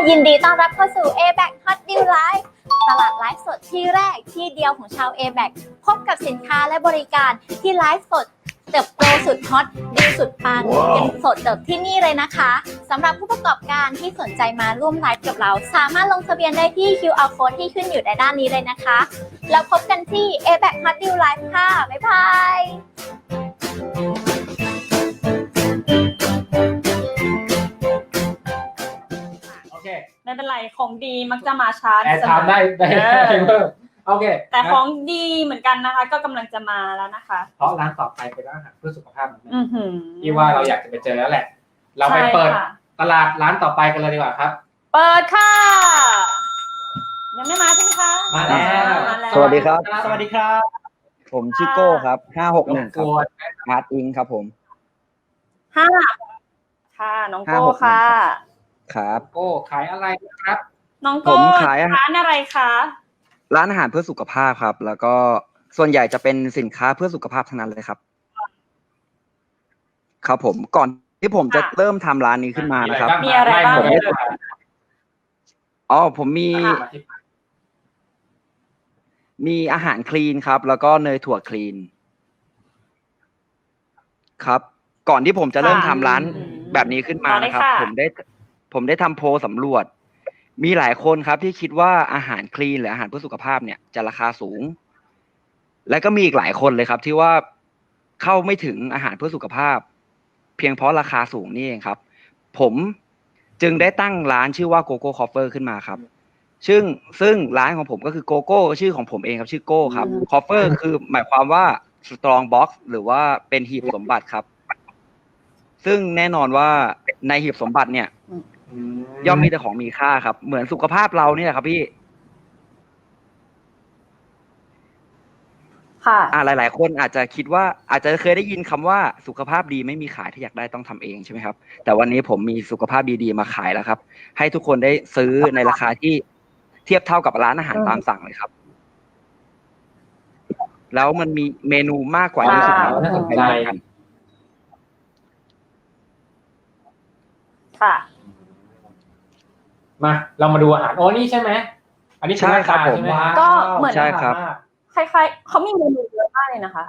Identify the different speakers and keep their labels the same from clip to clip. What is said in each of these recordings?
Speaker 1: ยินดีต้อนรับเข้าสู่ ABAC Hot Deal Live ตลาดไลฟ์สดที่แรกที่เดียวของชาว ABAC พบกับสินค้าและบริการที่ไลฟ์สดเติบโตสุดฮอตดีสุดปังกันสดจากที่นี่เลยนะคะสำหรับผู้ประกอบการที่สนใจมาร่วมไลฟ์กับเราสามารถลงทะเบียนได้ที่ QR Code ที่ขึ้นอยู่ในด้านนี้เลยนะคะแล้วพบกันที่ ABAC Hot Deal Live ค่ะบ๊ายบาย
Speaker 2: ไม่เป็นไรของดีมักจะมาช้า
Speaker 3: แอร์ไทม์ได้เพิ่มโอเค
Speaker 2: แต่ของดีเหมือนกันนะคะก็กำลังจะมาแล้วนะคะ
Speaker 3: เพราะร้านต่อไปเป็นร้านอาหารเพื่อสุขภาพเหมือนกันที่ว่าเราอยากจะไปเจอแล้วแหละเราไปเปิดตลาดร้านต่อไปกันเลยดีกว่าครับ
Speaker 2: เปิดค่ะยังไม่มาใช่ไหมคะ
Speaker 3: มาแล้ว
Speaker 4: สวัสดีครับ
Speaker 3: สวัสดีครับ
Speaker 4: ผมชิโก้ครับ561ครับอาร์ตอิงครับผม
Speaker 2: ค่ะน้องโก้ค่ะ
Speaker 4: ครับ
Speaker 3: โก้ขายอะไรครับ
Speaker 2: น้องโก้ขายร้านอะไรคะ
Speaker 4: ร้านอาหารเพื่อสุขภาพครับแล้วก็ส่วนใหญ่จะเป็นสินค้าเพื่อสุขภาพทั้งนั้นเลยครับครับผมก่อนที่ผมจะเริ่มทำร้านนี้ขึ้นมานะครับ
Speaker 2: มีอะไรบ้าง
Speaker 4: ผมมีอาหารคลีนครับแล้วก็เนยถั่วคลีนครับก่อนที่ผมจะเริ่มทำร้านแบบนี้ขึ้นมานะครับผมได้ทำโพลสำรวจมีหลายคนครับที่คิดว่าอาหารคลีนหรืออาหารเพื่อสุขภาพเนี่ยจะราคาสูงและก็มีอีกหลายคนเลยครับที่ว่าเข้าไม่ถึงอาหารเพื่อสุขภาพเพียงเพราะราคาสูงนี่เองครับผมจึงได้ตั้งร้านชื่อว่าโกโก้คอฟเฟอร์ขึ้นมาครับซึ่งร้านของผมก็คือโกโก้ชื่อของผมเองครับชื่อโก้ครับคอฟเฟอร์คือหมายความว่าสตรองบ็อกซ์หรือว่าเป็นหีบสมบัติครับซึ่งแน่นอนว่าในหีบสมบัติเนี่ยย่อมมีแต่ของมีค่าครับเหมือนสุขภาพเราเนี่ยครับพี่
Speaker 2: ค่ะ
Speaker 4: หลายๆคนอาจจะคิดว่าอาจจะเคยได้ยินคำว่าสุขภาพดีไม่มีขายถ้าอยากได้ต้องทำเองใช่ไหมครับแต่วันนี้ผมมีสุขภาพดีๆมาขายแล้วครับให้ทุกคนได้ซื้อในราคาที่เทียบเท่ากับร้านอาหารตามสั่งเลยครับแล้วมันมีเมนูมากกว่า20
Speaker 3: น่าสนใจ
Speaker 2: ค่ะ
Speaker 3: มาเรามาดูอาหารนี่ใช่ไหมอันนี้
Speaker 4: ใช่ครับผม
Speaker 2: ก็เหมือน
Speaker 4: ใช่ครับ
Speaker 2: คล้ายๆเขามีเมนูเยอะมากเลยนะคะ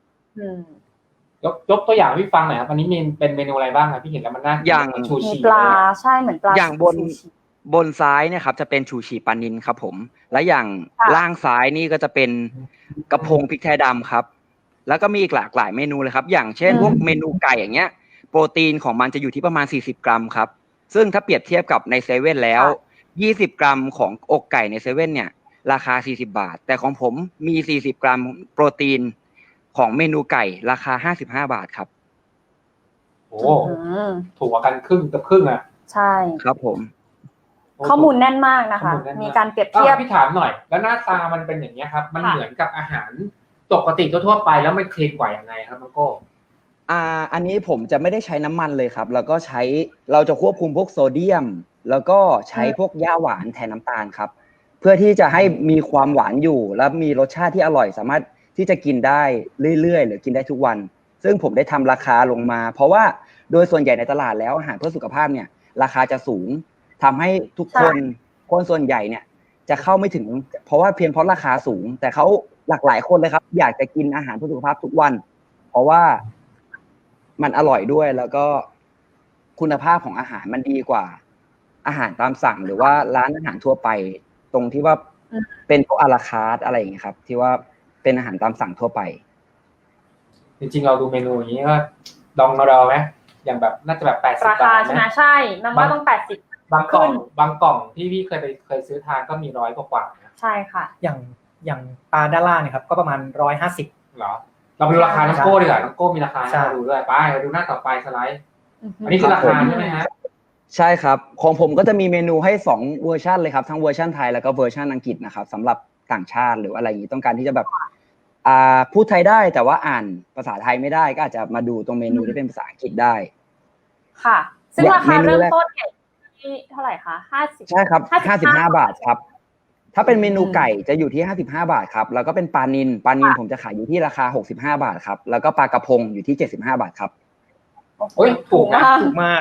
Speaker 3: ยกตัวอย่างพี่ฟังหน่อยครับอันนี้เป็นเมนูอะไรบ้างครับพี่เห็นแล้วมันน่า
Speaker 4: อย่าง
Speaker 3: ชูชี
Speaker 2: ปลาใช่เหมือนปลา
Speaker 4: อย่างบนซ้ายเนี่ยครับจะเป็นชูชีปลานิลครับผมและอย่างล่างซ้ายนี่ก็จะเป็นกระพงพริกไทยดำครับแล้วก็มีอีกหลากหลายเมนูเลยครับอย่างเช่นพวกเมนูไก่อย่างเงี้ยโปรตีนของมันจะอยู่ที่ประมาณ40 กรัมครับซึ่งถ้าเปรียบเทียบกับในเซเว่นแล้ว20 กรัมของอกไก่ในเซเว่นเนี่ยราคา40 บาทแต่ของผมมี40 กรัมโปรตีนของเมนูไก่ราคา55 บาทครับ
Speaker 3: โอ้ถูกกว่ากันครึ่งกับครึ่งอ่ะ
Speaker 2: ใช่
Speaker 4: ครับผม
Speaker 2: ข้อมูลแน่นมากนะคะมีการเปรียบเทียบ
Speaker 3: พี่ถามหน่อยแล้วหน้าตามันเป็นอย่างนี้ครับมันเหมือนกับอาหารปกติทั่วไปแล้วมันคลีนกว่ายังไงครับน้องโก้
Speaker 4: อันนี้ผมจะไม่ได้ใช้น้ำมันเลยครับแล้วก็เราจะควบคุมพวกโซเดียมแล้วก็ใช้พวกหญ้าหวานแทนน้ำตาลครับเพื่อที่จะให้มีความหวานอยู่และมีรสชาติที่อร่อยสามารถที่จะกินได้เรื่อยๆหรือกินได้ทุกวันซึ่งผมได้ทำราคาลงมาเพราะว่าโดยส่วนใหญ่ในตลาดแล้วอาหารเพื่อสุขภาพเนี่ยราคาจะสูงทำให้ทุกคนส่วนใหญ่เนี่ยจะเข้าไม่ถึงเพราะว่าเพียงเพราะราคาสูงแต่เขาหลากหลายคนเลยครับอยากจะกินอาหารเพื่อสุขภาพทุกวันเพราะว่ามันอร่อยด้วยแล้วก็คุณภาพของอาหารมันดีกว่าอาหารตามสั่งหรือว่าร้านอาหารทั่วไปตรงที่ว่าเป็นพวกอาราคาร์ทอะไรอย่างเงี้ยครับที่ว่าเป็นอาหารตามสั่งทั่วไป
Speaker 3: จริงๆเราดูเมนูอย่างนี้ก็ดองเราไหมอย่างแบบน่าจะแบบ80
Speaker 2: บาทนะใช่มันว่าต้อง80
Speaker 3: บางกล่องที่พี่เคยซื้อทานก็มี100 กว่า
Speaker 2: ใช่ค่ะ
Speaker 5: อย่างปลาด้านล่างนะครับก็ประมาณ150
Speaker 3: เหรอเราไปดูราคาน้องโก้ดีกว่าน้องโก้มีราคาให้เราดูด้วยไปเราดูหน้าต่อไปสไลด์อันนี้คือราคาใช่ไหมฮะ
Speaker 4: ใช่ครับของผมก็จะมีเมนูให้2เวอร์ชันเลยครับทั้งเวอร์ชันไทยแล้วก็เวอร์ชันอังกฤษนะครับสำหรับต่างชาติหรืออะไรอย่างนี้ต้องการที่จะแบบพูดไทยได้แต่ว่าอ่านภาษาไทยไม่ได้ก็อาจจะมาดูตรงเมนูที่เป็นภาษาอังกฤษได้
Speaker 2: ค่ะซึ่งราคาเริ่มต้นที่เท่าไหร่คะ50
Speaker 4: ใช่ครับ55 บาทครับถ้าเป็นเมนูไก่จะอยู่ที่55 บาทครับแล้วก็เป็นปลานิลผมจะขายอยู่ที่ราคา65 บาทครับแล้วก็ปลากระพงอยู่ที่75 บาทครับ
Speaker 3: โอ้ยถูกมาก
Speaker 5: ถูกมาก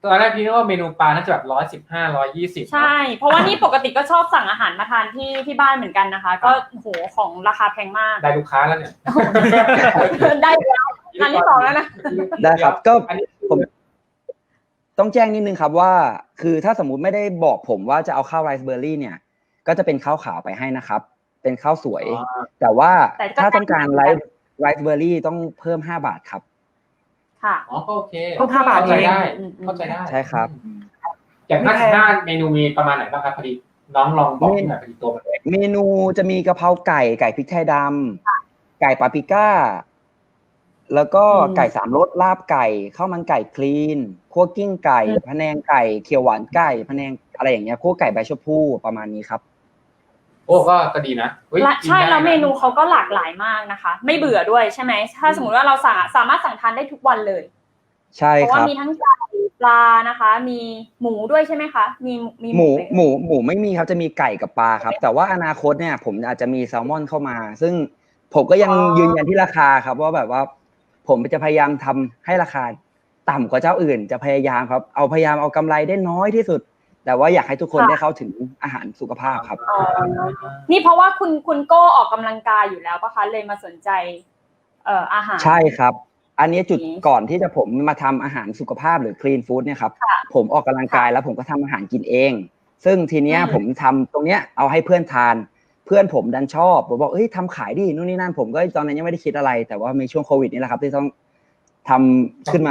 Speaker 3: ตอนแรกพี่นึกว่าเมนูปลาน่าจะแบบ115 120
Speaker 2: ใช่เพราะว่านี่ปกติก็ชอบสั่งอาหารมาทานที่บ้านเหมือนกันนะคะ ก็โหของราคาแพงมาก
Speaker 3: ได้ลูกค้าแล้วเนี่ย
Speaker 2: ได้แล้วอันที่2แล้วนะ
Speaker 4: ได้ครับก็
Speaker 3: อันนี้
Speaker 4: ผมต้องแจ้งนิดนึงครับว่าคือถ้าสมมุติไม่ได้บอกผมว่าจะเอาข้าวไรซ์เบอร์รี่เนี่ยก็จะเป็นข้าวขาวไปให้นะครับเป็นข้าวสวยแต่ว่าถ้าต้องการไรซ์เบอร์รี่ต้องเพิ่ม5 บาทครับ
Speaker 2: ค่ะ
Speaker 3: อ๋อก็โอเค
Speaker 5: ก็5 บาท
Speaker 3: เข้าใจ
Speaker 5: เอง
Speaker 3: ได้เข้าใจได้
Speaker 4: ใช่ครับ
Speaker 3: อย่าง55เมนูมีประมาณไหนบ้างครับพอดีน้องลองบอกหน่อยพอดีตัวมันเอง
Speaker 4: เมนูจะมีกะเพราไก่พริกไทยดำไก่ปาปริก้าแล้วก็ไก่3 รสลาบไก่ข้าวมันไก่คลีนคั่วกิ้งไก่พะแนงไก่เขียวหวานไก่พะแนงอะไรอย่างเงี้ยคั่วไก่ใบชะพูประมาณนี้ครับ
Speaker 3: โอ้ก็ดีนะเฮ้ย
Speaker 2: ใช่
Speaker 3: กินได้นะ
Speaker 2: แล้วเมนูเขาก็หลากหลายมากนะคะ ไม่เบื่อด้วยใช่ไหมถ้าสมมติว่าเราสามารถสั่งทานได้ทุกวันเลย
Speaker 4: ใช่
Speaker 2: เพราะ
Speaker 4: ค
Speaker 2: ว่า
Speaker 4: รับ
Speaker 2: มีทั้งไก่ปลานะคะ มีหมูด้วยใช่ไหมคะมี
Speaker 4: หมูไม่มีครับจะมีไก่กับปลาครับ แต่ว่าอนาคตเนี่ยผมอาจจะมีแซลมอนเข้ามา ซึ่งผมก็ยังยืนยันที่ราคาครับว่าแบบว่าผมจะพยายามทำให้ราคาต่ำกว่าเจ้าอื่น จะพยายามครับพยายามเอากำไรได้น้อยที่สุด แต่ว่าอยากให้ทุกคนได้เข้าถึงอาหารสุขภาพครับ
Speaker 2: นี่เพราะว่าคุณโก้ออกกำลังกายอยู่แล้วปะคะเลยมาสนใจอาหาร
Speaker 4: ใช่ครับ อันนี้จุดก่อนที่จะผมมาทำอาหารสุขภาพหรือ clean food เนี่ยครับผมออกกำลังกายแล้วผมก็ทำอาหารกินเอง ซึ่งทีเนี้ยผมทำตรงเนี้ยเอาให้เพื่อนทานเพื่อนผมดันชอบผมบอกเอ้ยทำขายดินู่นนี่นั่นผมก็ตอนนั้นยังไม่ได้คิดอะไร แต่ว่ามีช่วงโควิดนี่แหละครับที่ต้องทำขึ้นมา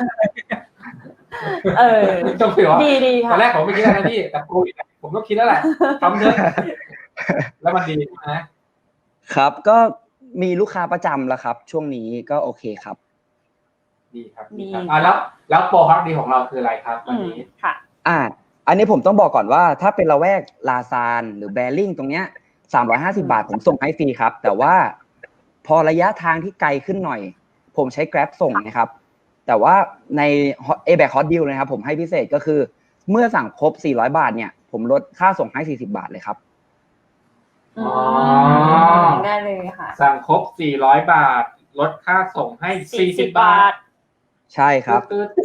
Speaker 3: ต้องคุยว่า
Speaker 2: ดีค่ะ
Speaker 3: ตอนแรกผมไม่คิดอะไรนะพี่แต่โควิดผมก็คิดแล้วแหละทำเถอะแล้วมันดีนะครับ
Speaker 4: ก็มีลูกค้าประจำแล้วครับ ช่วงนี้ก็โอเคครับ
Speaker 3: ดีครับแล้วโปรฮอตดีของเราคืออะไรครับวันนี้
Speaker 2: ค่ะ
Speaker 4: อันนี้ผมต้องบอกก่อนว่าถ้าเป็นละแวกลาซานหรือแบริ่งตรงเนี้ย350 บาทผมส่งให้ฟรีครับแต่ว่าพอระยะทางที่ไกลขึ้นหน่อยผมใช้ Grab ส่งนะครับแต่ว่าใน A-Back Hot Deal นะครับผมให้พิเศษก็คือเมื่อสั่งครบ400 บาทเนี่ยผมลดค่าส่งให้40 บาทเลยครับ
Speaker 2: ได้เลยค่ะ
Speaker 3: สั่งครบ400 บาทลดค่าส่งให้40 บาท
Speaker 4: ใช่ครับ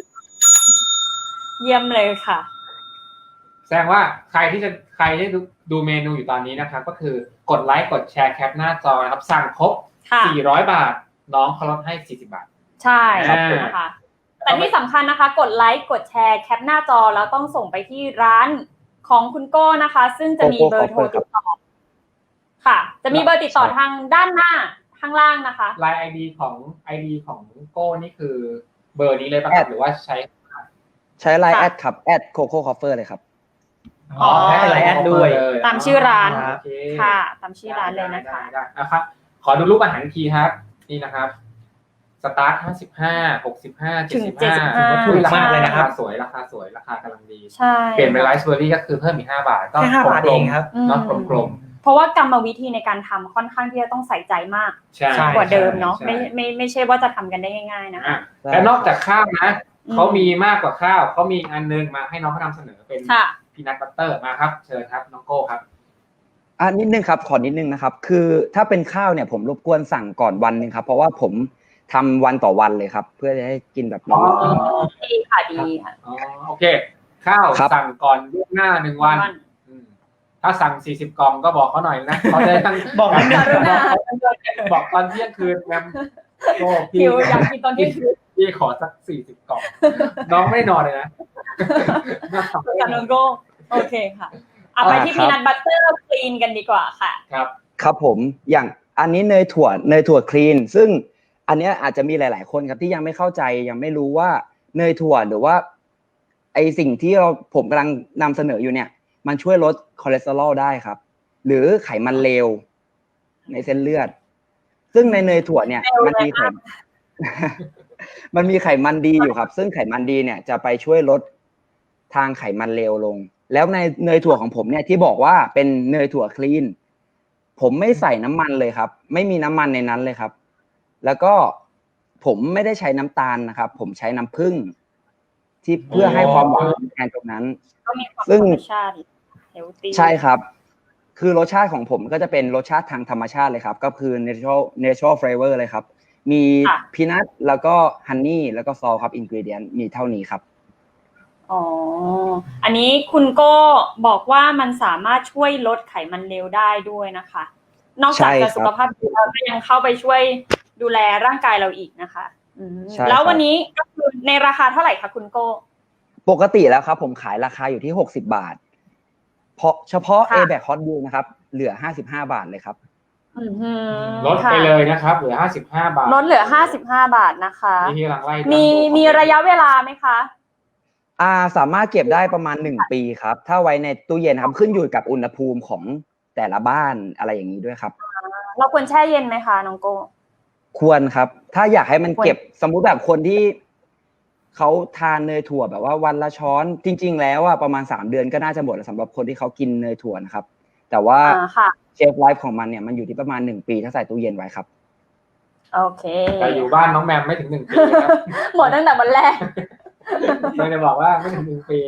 Speaker 2: เยี่ยมเลยค่ะ
Speaker 3: แสดงว่าใครที่ดูเมนูอยู่ตอนนี้นะครับก็คือกดไลค์กดแชร์แคปหน้าจอนะครับสั่งครบ400 บาทน้องเขาลดให้40 บาท
Speaker 2: ใช่นะคะแต่ที่สำคัญนะคะกดไลค์กดแชร์แคปหน้าจอแล้วต้องส่งไปที่ร้านของคุณโก้นะคะ ซึ่งจะมีเบอร์โทรติดต่อค่ะจะมีเบอร์ติดต่อทางด้านหน้าข้างล่างนะคะ
Speaker 3: ไลน์ ID ของโก้นี่คือเบอร์นี้เลยป่ะครับหรือว่าใช้
Speaker 4: ไลน์แอดครับแอดโคโค่คอฟเฟอร์เลยครับ
Speaker 5: ให้ไลน์แอดด้วย
Speaker 2: ตามชื่อร้าน
Speaker 3: โอเค
Speaker 2: ค่ะตามชื่อร้านเลยนะคะ
Speaker 3: ได้นะครับขอดูรูปอาหารทีครับนี่นะครับสตาร์ท55 65
Speaker 2: ถึง
Speaker 3: 75
Speaker 5: ถูกมากเลยนะครับ
Speaker 3: ราคาสวยราคากำลังดี
Speaker 2: ใช่
Speaker 3: เปลี่ยนเป็นไรซ์เบอร์รี่ก็คือเพิ่มอีก5 บาทก็
Speaker 5: แค่5 บาทเองครับ
Speaker 3: เนาะกลม
Speaker 2: เพราะว่ากรรมวิธีในการทำค่อนข้างที่จะต้องใส่ใจมาก
Speaker 3: ๆใช่
Speaker 2: กว่าเดิมเนาะ
Speaker 3: ใช่
Speaker 2: ไม่ใช่ว่าจะทำกันได้ง่ายๆนะคะ
Speaker 3: และนอกจากข้าวนะเขามีมากกว่าข้าวเขามีอันนึงมาให้น้องเขานำเสนอเป็นพีนัทบัตเตอร์มาครับเชิญครับน้องโก้ครับ
Speaker 4: นิดนึงครับขอนิดนึงนะครับคือถ้าเป็นข้าวเนี่ยผมรบกวนสั่งก่อนวันนึงครับเพราะว่าผมทำวันต่อวันเลยครับเพื่อจะให้กินแบบร้อน
Speaker 2: ดีค่ะดีค่ะ
Speaker 3: โอเคข้าวสั่งก่อนล่วงหน้า1 วันถ้าสั่ง40 กล่องก็บอกเขาหน่อยนะเขาได้ทั้ง
Speaker 5: บอกนิดนึง
Speaker 3: บอกตอนเที่ยงคืนแมมโอ้
Speaker 2: หิวอยากกินตอนเที่ยงคืน
Speaker 3: พี่ขอสัก40 กล่องน้องไม่นอนเลยนะ
Speaker 2: กับน้องโก้โอเคค่ะเอาไปที่พีนัทบัตเตอร์คลีนกันดีกว่าค่ะ
Speaker 4: ครับผมอย่างอันนี้เนยถั่วคลีนซึ่งอันนี้อาจจะมีหลายๆคนครับที่ยังไม่เข้าใจยังไม่รู้ว่าเนยถั่วหรือว่าไอสิ่งที่ผมกำลังนำเสนออยู่เนี่ยมันช่วยลดคอเลสเตอรอลได้ครับหรือไขมันเลวในเส้นเลือดซึ่งในเนยถั่วเนี่ยมันมีไขมันดีอยู่ครับซึ่งไขมันดีเนี่ยจะไปช่วยลดทางไขมันเลวลงแล้วในเนยถั่วของผมเนี่ยที่บอกว่าเป็นเนยถั่วคลีนผมไม่ใส่น้ำมันเลยครับไม่มีน้ำมันในนั้นเลยครับแล้วก็ผมไม่ได้ใช้น้ำตาลนะครับผมใช้น้ำผึ้งที่เพื่อให้ความหวานแทนตรงนั้นซึ่งใช่ครับคือรสชาติของผมก็จะเป็นรสชาติทางธรรมชาติเลยครับก็คือ natural flavor เลยครับมีพีนัทแล้วก็ฮันนี่แล้วก็ซอลครับอินกรีเดียนมีเท่านี้ครับ
Speaker 2: อ๋อ อันนี้คุณโก้บอกว่ามันสามารถช่วยลดไขมันเลวได้ด้วยนะคะ นอกจากจะสุขภาพดีแล้วก็ยังเข้าไปช่วยดูแลร่างกายเราอีกนะคะแล้ววันนี้ก็คือในราคาเท่าไหร่คะคุณโก้
Speaker 4: ปกติแล้วครับผมขายราคาอยู่ที่60 บาทเพราะเฉพาะ A-Back Hot Deal นะครับเหลือ55 บาทเลยครับ
Speaker 3: ลดไปเลยนะครับเหลือ55 บาท
Speaker 2: ลดเหลือ55 บาทนะคะ
Speaker 3: นี่กำลังไล่
Speaker 2: มีระยะเวลาไหมคะ
Speaker 4: สามารถเก็บได้ประมาณ1 ปีครับถ้าไว้ในตู้เย็นครับขึ้นอยู่กับอุณหภูมิของแต่ละบ้านอะไรอย่างนี้ด้วยครับ
Speaker 2: เราควรแช่เย็นไหมคะน้องโก้
Speaker 4: ควรครับถ้าอยากให้มันเก็บสมมุติแบบคนที่เขาทานเนยถั่วแบบว่าวันละช้อนจริงๆแล้วประมาณ3 เดือนก็น่าจะหมดสำหรับคนที่เขากินเนยถั่วนะครับแต่ว่าเชฟไลฟ์ของมันเนี่ยมันอยู่ที่ประมาณ1 ปีถ้าใส่ตู้เย็นไว้ครับ
Speaker 2: โอเค
Speaker 3: แต่อยู่บ้านน้องแมมไม่ถึง1 ปีครับ
Speaker 2: หมดตั้งแต่วันแรก
Speaker 3: เลยจะบอกว่าไม่ถึง1 ปี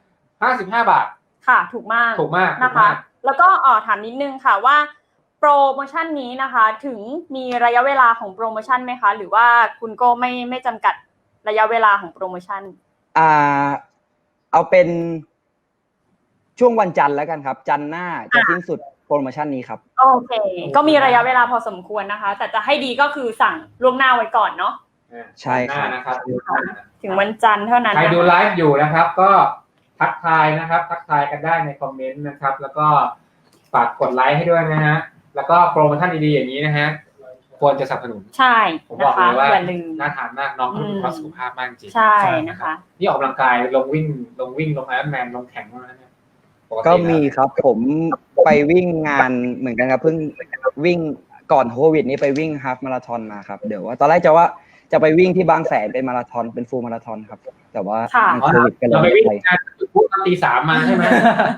Speaker 3: 55 บาท
Speaker 2: ค่ะถูกมากนะคะแล้วก็ถามนิดนึงค่ะว่าโปรโมชั่นนี้นะคะถึงมีระยะเวลาของโปรโมชั่นไหมคะหรือว่าคุณโก้ไม่จำกัดระยะเวลาของโปรโมชั่น
Speaker 4: เอาเป็นช่วงวันจันทร์แล้วกันครับจันทร์หน้าจะสิ้นสุดโปรโมชั่นนี้ครับ
Speaker 2: โอเคก็มีระยะเวลาพอสมควรนะคะแต่จะให้ดีก็คือสั่งล่วงหน้าไว้ก่อนเนาะ
Speaker 4: ใช่
Speaker 3: นะครับ
Speaker 2: ถึงวันจันทร์เท่านั้น
Speaker 3: ใครดูไลฟ์อยู่นะครับก็ทักทายนะครับทักทายกันได้ในคอมเมนต์นะครับแล้วก็ฝากกดไลค์ให้ด้วยนะฮะแล้วก็โปรโมชั่นดีๆอย่างนี้นะฮะควรจะสนับสนุน
Speaker 2: ใช่
Speaker 3: ผมบอกเลยว่าน่าทานมากน้องเขามีสุขภาพมากจริง
Speaker 2: ใช่นะคะ
Speaker 3: นี่ออกกำลังกายลงวิ่งลงไอรอนแมนลงแข่งแล้วเนี่ย
Speaker 4: ก็มีครับผมไปวิ่งงานเหมือนกันครับเพิ่งวิ่งก่อนโควิดนี้ไปวิ่งฮาล์ฟมาราธอนมาครับเดี๋ยวว่าตอนแรกจะไปวิ่งที่บางแสนเป็นมาราธอนเป็นฟูลมาราธอนครับแต่ว่าโควิดก็เลย
Speaker 3: ไม่ไปงานพูดตี 3มาใช่ไหม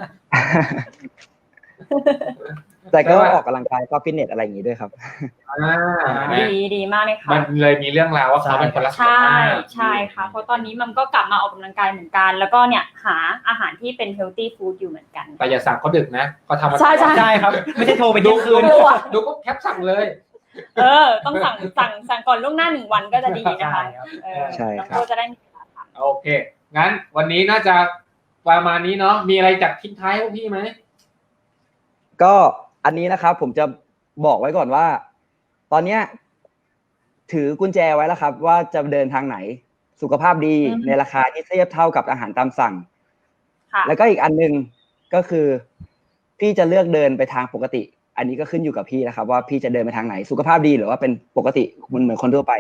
Speaker 4: แต่ก็ออกกำลังกายก็ฟิตเนสอะไรอย่างนี้ด้วยครับ
Speaker 2: ดีมากเลยค่ะ
Speaker 3: มันเลยมีเรื่องราวว่าเขาเป็นคนรักษา
Speaker 2: ใช่ค่ะเพราะตอนนี้มันก็กลับมาออกกำลังกายเหมือนกันแล้วก็เนี่ยหาอาหารที่เป็นเฮลตี้ฟู้ดอยู่เหมือนกัน
Speaker 3: แต่อย่าสั่งเขาดึกนะเขาทำ
Speaker 2: ใช่
Speaker 5: ครับไม่ใช่โทรไปดูคืน
Speaker 3: ดูก็แคปสั่งเลย
Speaker 2: ต้องสั่งก่อนล่วงหน้า1 วันก็จะดีนะคะ
Speaker 4: ใช่ครับ
Speaker 2: ก็จะได้มี
Speaker 3: โอเคงั้นวันนี้น่าจะประมาณนี้เนาะมีอะไรจากทิ้งท้ายพวกพี่ไหม
Speaker 4: ก็อันนี้นะครับผมจะบอกไว้ก่อนว่าตอนนี้ถือกุญแจไว้แล้วครับว่าจะเดินทางไหนสุขภาพดีในราคาที่เทียบเท่ากับอาหารตามสั่งแล้วก็อีกอันนึงก็คือพี่จะเลือกเดินไปทางปกติอันนี้ก็ขึ้นอยู่กับพี่นะครับว่าพี่จะเดินไปทางไหนสุขภาพดีหรือว่าเป็นปกติเหมือนคนทั่วไป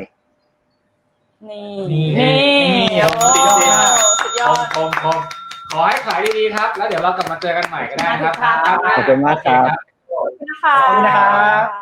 Speaker 2: นี่สุดยอด
Speaker 3: ขอให้ขายดีๆครับแล้วเดี๋ยวเรากลับมาเจอกันใหม่ก็ได้ครับ
Speaker 4: ขอบคุณมากครับ
Speaker 2: ขอบคุณนะคะ